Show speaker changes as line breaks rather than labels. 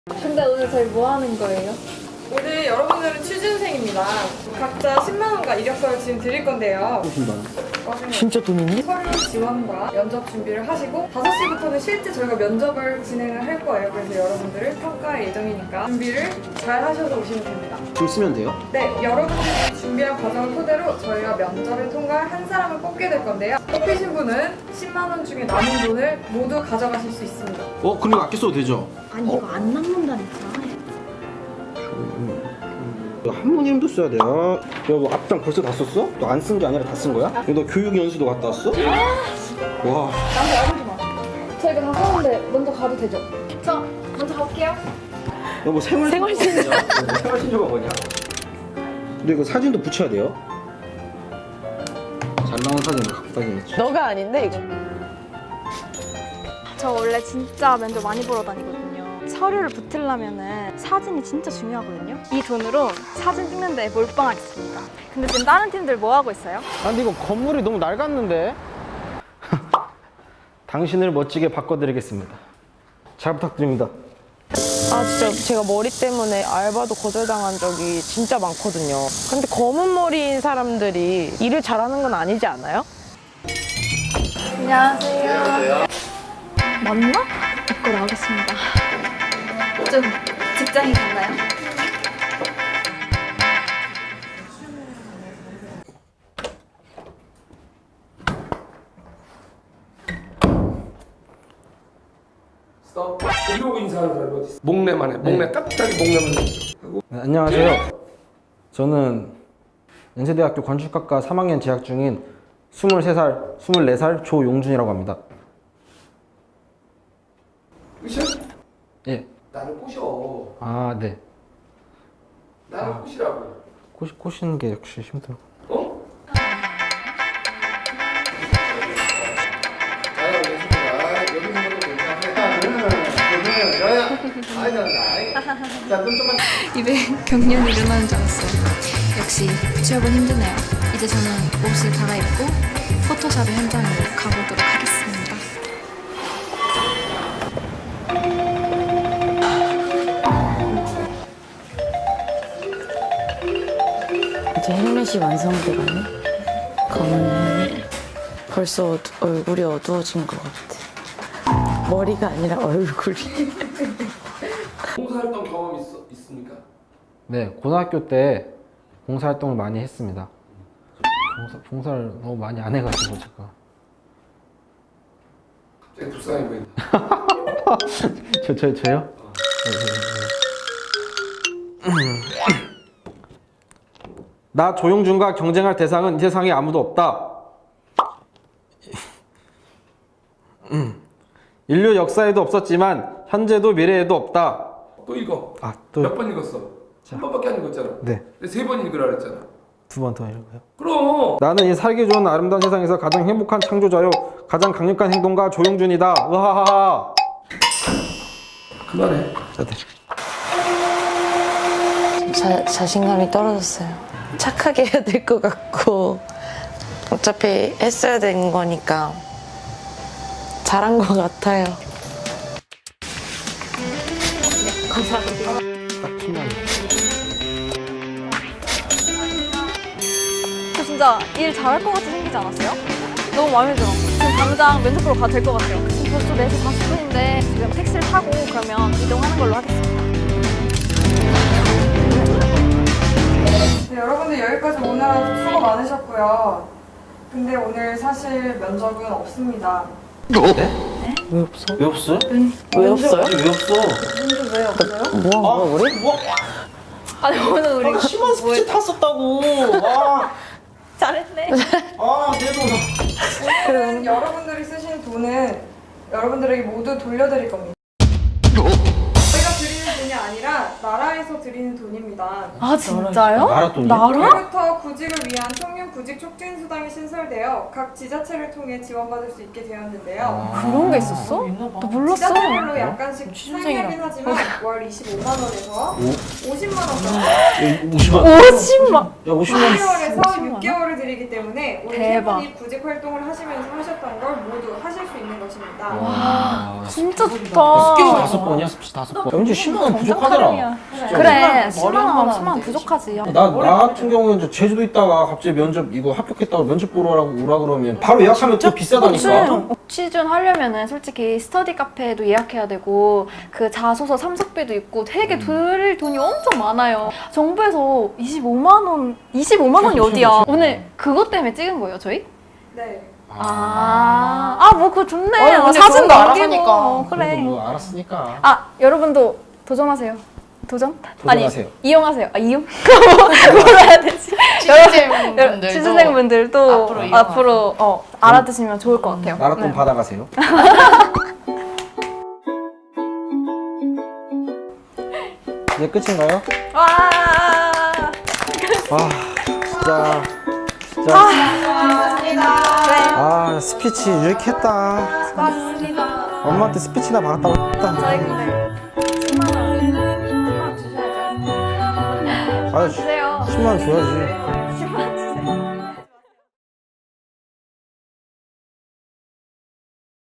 근데 오늘 저희 뭐 하는 거예요?
오늘 여러분들은 취준생입니다. 각자 10만 원과 이력서를 지금 드릴 건데요.
10만 원. 진짜 돈 있니?
서류 지원과 면접 준비를 하시고 5시부터는 실제 저희가 면접을 진행을 할 거예요. 그래서 여러분들을 평가할 예정이니까 준비를 잘 하셔서 오시면 됩니다.
줄 쓰면 돼요?
네, 여러분들이 준비한 과정을 토대로 저희가 면접을 통과할 한 사람을 뽑게 될 건데요. 뽑히신 분은 10만 원 중에 남은 돈을 모두 가져가실 수 있습니다.
그럼 아껴 써도 되죠?
아니 이거 안 남는다니까.
한 번 이름도 써야 돼. 뭐 앞장 벌써 다 썼어? 너 안 쓴 게 아니라 다 쓴 거야? 너 교육 연수도 갔다 왔어? 와.
나한테 알려주지 마. 저희가 다 하는데 먼저 가도 되죠? 저 먼저 갈게요.
너 뭐 생활신고가 뭐냐? 생활신고가 뭐냐? 근데 이거 사진도 붙여야 돼요? 잘 나온 사진을 갖고 다니겠지.
너가 아닌데 이거.
저 원래 진짜 면접 많이 보러 다니거든요. 서류를 붙으려면은 사진이 진짜 중요하거든요. 이 돈으로 사진 찍는데 몰빵하겠습니다. 근데 지금 다른 팀들 뭐 하고 있어요?
아 근데 이거 건물이 너무 낡았는데. 당신을 멋지게 바꿔드리겠습니다. 잘 부탁드립니다.
아 진짜 제가 머리 때문에 알바도 거절당한 적이 진짜 많거든요. 근데 검은 머리인 사람들이 일을 잘하는 건 아니지 않아요?
안녕하세요. 맞나? 입고 나오겠습니다. 좀 직장인 같나요?
스톱. 이러고 인사하는 사람이 어디 있어? 목내만 해. 목내 깍딱이 목내만 해.
네, 안녕하세요. 저는 연세대학교 건축학과 3학년 재학 중인 23살, 24살 조용준이라고 합니다.
으쌰?
예.
나를 꼬셔.
아, 네.
나를 꼬시라고.
꼬시는 게 역시 힘들어.
어? 자, 알겠습니다. 여기 있는 것도 괜찮네. 야야. 자, 눈 좀만.
입에 경련이 일어나는 줄 알았어요. 역시 취업은 힘드네요. 이제 저는 옷을 갈아입고 포토샵의 현장으로 가보도록 하겠습니다.
이제 헬멧이 완성돼가네. 검은 헬멧. 벌써 얼굴이 어두워진 것 같아. 머리가 아니라 얼굴이.
봉사활동 경험 있습니까?
네, 고등학교 때 봉사활동을 많이 했습니다. 봉사를 너무 많이 안 해가지고 제가.
갑자기 불쌍해 보인다.
저요? 나 조용준과 경쟁할 대상은 이 세상에 아무도 없다. 인류 역사에도 없었지만 현재도 미래에도 없다.
또 읽어.
아, 또
몇 번 읽었어? 한 번밖에 안 읽었잖아.
네.
근데 3번 읽으라 그랬잖아.
두 번 더 읽어요.
그럼.
나는 이 살기 좋은 아름다운 세상에서 가장 행복한 창조자요. 가장 강력한 행동가 조용준이다. 으하하하.
그만해.
자신감이 떨어졌어요. 착하게 해야 될 것 같고 어차피 했어야 되는 거니까 잘한 것 같아요.
딱 피나네.
저 진짜 일 잘할 것 같이 생기지 않았어요? 너무 마음에 들어. 지금 당장 면접 보러 가도 될 것 같아요. 지금 벌써 4시 40분인데 지금 택시를 타고 그러면 이동하는 걸로 하겠습니다.
네, 여러분들 여기까지 오느라 수고 많으셨고요. 근데 오늘 사실 면접은 없습니다.
왜 없어요?
왜 없어요?
왜 없어?
면접 왜 없어요?
뭐한 거야 우리?
아니 오늘 우리
심한 스피치 탔었다고.
잘했네.
내 돈.
오늘은 여러분들이 쓰신 돈은 여러분들에게 모두 돌려드릴 겁니다. 저희가 드리는 돈이 아니라 나라에서 드리는 돈입니다.
아 진짜요?
나라 돈이?
올해부터 구직을 위한 청년 구직 촉진 수당이 신설되어 각 지자체를 통해 지원받을 수 있게 되었는데요.
그런 게 있었어? 나 몰랐어.
지자체별로 약간씩 차이하긴 하지만 월 25만 원에서 50만 원까지
50만.
50만.
야 50만.
12월에서 6개월을 드리기 때문에 오늘 세
대박.
분이 구직 활동을 하시면서 하셨던 걸 모두 하실 수 있는 것입니다.
와,
진짜 좋다.
스피치 5번이야? 스피치 5번. 연지 10만 원 부족하더라.
그래 10만 원, 10만 원 부족하지.
나 같은 경우는 이제 제주도 있다가 갑자기 면접 이거 합격했다고 면접 보러 오라 그러면 바로 예약하면 또 비싸다니까.
취준 하려면은 솔직히 스터디 카페도 예약해야 되고 그 자소서 참석비도 있고 되게 드릴 돈이 엄청 많아요. 정부에서 25만 원이 어디야? 오늘 그것 때문에 찍은 거예요, 저희?
네.
뭐 그거 좋네.
아니, 근데
사진도
그런 거
남기고.
알았으니까.
그래.
그래도 뭐 알았으니까.
여러분도 도전하세요. 도전?
도전하세요.
아니, 이용하세요. 이용? 뭐로 해야 되지?
취준생분들도
취준생분들도
앞으로 이용하세요.
앞으로 알아두시면 좋을 것 같아요.
나라 돈
네.
받아가세요. 이제 끝인가요?
와.
진짜. 아, 스피치 이렇게 했다.
수고하셨습니다.
엄마한테 스피치나 받았다고 했다.
저희 근데 10만 원 주셔야죠.
아,
주세요.
10만 원 줘야지.